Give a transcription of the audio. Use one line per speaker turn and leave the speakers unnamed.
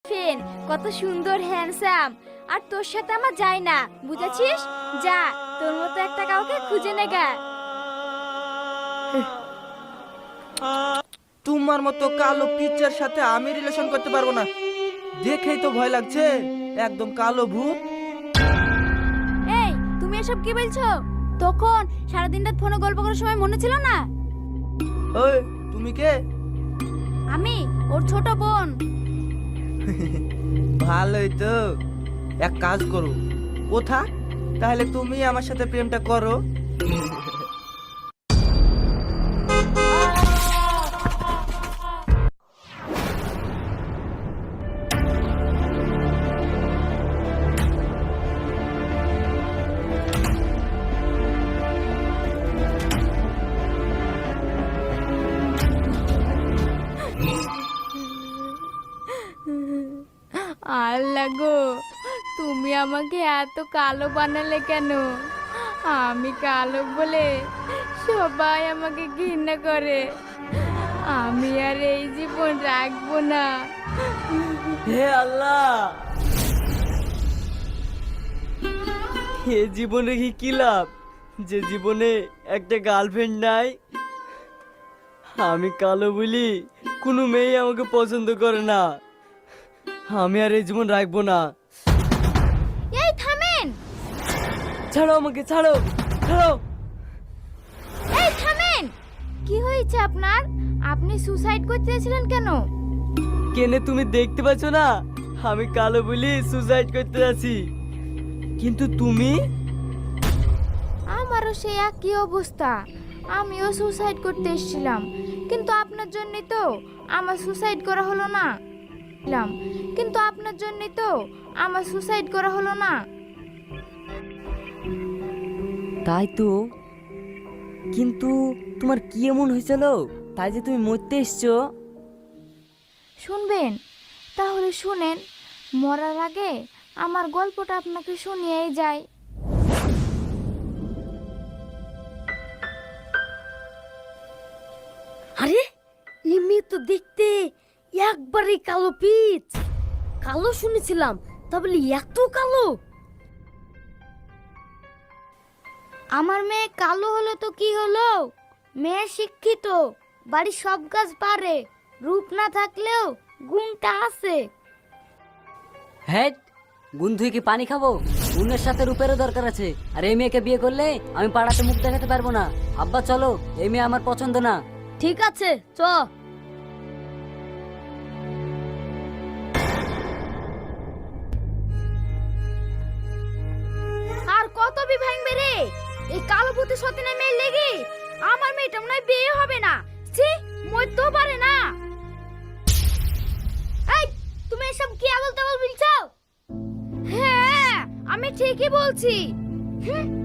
ফেন কত সুন্দর হ্যান্ডসাম, আর তোর সাথে আমার যায় না, বুঝেছিস? যা, তোর মতো একটা কাউকে খুঁজে নেগা।
তোমার মতো কালো পিচ্চার সাথে আমি রিলেশন করতে পারবো না। দেখেই তো ভয় লাগছে, একদম কালো ভূত।
এই, তুমি এসব কি বলছো? তখন সারাদিন রাত ফোনে গল্প করার সময় মনে ছিল না?
ওই তুমি কে?
আমি ওর ছোট বোন।
ভালোই তো, এক কাজ করো, ও থাক, তাহলে তুমি আমার সাথে প্রেমটা করো।
আল্লাহ গো, তুমি আমাকে এত কালো বানালে কেন? আমি কালো বলে সবাই আমাকে ঘৃণা করে। আমি আর এই জীবন রাখবো না।
হে আল্লাহ, এ জীবনে কি লাভ যে জীবনে একটা গার্লফ্রেন্ড নাই। আমি কালো বলি কোনো মেয়ে আমাকে পছন্দ করে না। আমি আর এই জীবন রাখবো না।
এই থামেন!
ছাড়ো আমাকে, ছাড়ো ছাড়ো।
এই থামেন! কি হয়েছে আপনার? আপনি সুসাইড করতে চেয়েছিলেন কেন?
কেনে তুমি দেখতে পাচ্ছ না আমি কালো বলি সুসাইড করতে যাচ্ছি, কিন্তু তুমি?
আমারও সেই একই অবস্থা, আমিও সুসাইড করতে এসেছিলাম, কিন্তু আপনার জন্যই তো আমার সুসাইড করা হলো না। কিন্তু আপনার জন্যই তো আমার সুসাইড করা হলো না।
তাই তো, কিন্তু তোমার কি এমন হয়েছিল তাই যে তুমি মরতে এসছো?
শুনবেন? তাহলে শুনেন, মরার আগে আমার গল্পটা আপনাকে শুনিয়েই যাই।
আরে এই মেয়ে তো দেখতে একবারে কালো পিচ। কালো শুনেছিলাম, তা বলি এত কালো?
আমার মেয়ে কালো হলো তো কি হলো? মেয়ে শিক্ষিত, বাড়ির সব কাজ পারে, রূপ না থাকলেও গুণটা আছে।
হ্যাঁ, গুণ ধুয়ে কি পানি খাবো? গুণের সাথে রূপেরও দরকার আছে। আর এই মেয়েকে বিয়ে করলে আমি পাড়াতে মুখ দেখাতে পারবো না। আব্বা চলো, এই মেয়ে আমার পছন্দ না।
ঠিক আছে, চ।
আর কত ভাঙবে রে এই কালো ভূতের সতীনের মেয়ে লেগে? আমার মেয়েটা মনে হয় বিয়ে হবে না। ছি, মরতেও পারে না। এই, তুমি এসব কি আবল তাবল বলছো? হ্যাঁ, আমি ঠিকই বলছি।